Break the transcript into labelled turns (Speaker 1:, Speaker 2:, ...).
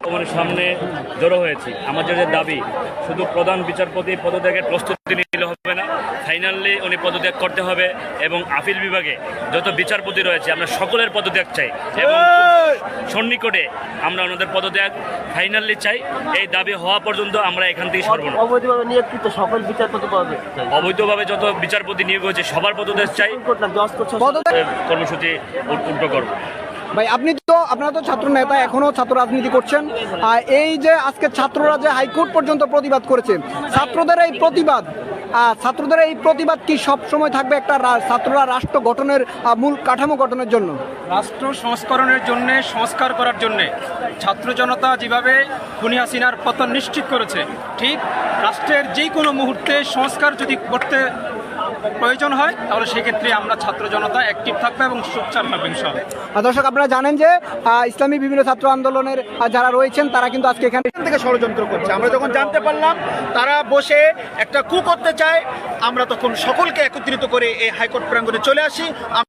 Speaker 1: সামনে জড়ো হয়েছি। আমাদের যে দাবি, শুধু প্রধান বিচারপতি পদত্যাগের প্রস্তুতি নিলে হবে না, ফাইনালি উনি পদত্যাগ করতে হবে এবং আপিল বিভাগে যত বিচারপতি রয়েছে আমরা সকলের পদত্যাগ চাই এবং সন্নিকটে আমরা ওনাদের পদত্যাগ ফাইনালি চাই। এই দাবি হওয়া পর্যন্ত আমরা এখান থেকে সরব না।
Speaker 2: অবৈধভাবে নিয়োগকৃত সকল বিচারপতি পদত্যাগ চাই।
Speaker 1: অবৈধভাবে যত বিচারপতি নিয়োগ হয়েছে সবার পদত্যাগ চাই। কর্মসূচি উল্টো করব।
Speaker 3: ভাই আপনারা তো ছাত্র নেতা, এখনো ছাত্র রাজনীতি করছেন। এই যে আজকে ছাত্ররা যে হাইকোর্ট পর্যন্ত প্রতিবাদ করেছে, ছাত্রদের এই প্রতিবাদ কি সব সময় থাকবে একটা ছাত্ররা রাষ্ট্র গঠনের মূল কাঠামো গঠনের জন্য,
Speaker 4: রাষ্ট্র সংস্করণের জন্য, সংস্কার করার জন্য ছাত্র জনতা যেভাবে খুনি হাসিনার পতন নিশ্চিত করেছে, ঠিক রাষ্ট্রের যে কোনো মুহূর্তে সংস্কার যদি করতে প্রয়োজন হয় তাহলে সেক্ষেত্রে আমরা ছাত্র জনতা অ্যাক্টিভ থাকবে এবং সোচ্চার থাকবে ইনশাআল্লাহ।
Speaker 3: দর্শক, আপনারা জানেন যে ইসলামী বিভিন্ন ছাত্র আন্দোলনের যারা রয়েছেন তারা কিন্তু আজকে এখান থেকে ষড়যন্ত্র করছে।
Speaker 5: আমরা যখন জানতে পারলাম তারা বসে একটা কু করতে চায়, আমরা তখন সকলকে একত্রিত করে এই হাইকোর্ট প্রাঙ্গণে চলে আসি।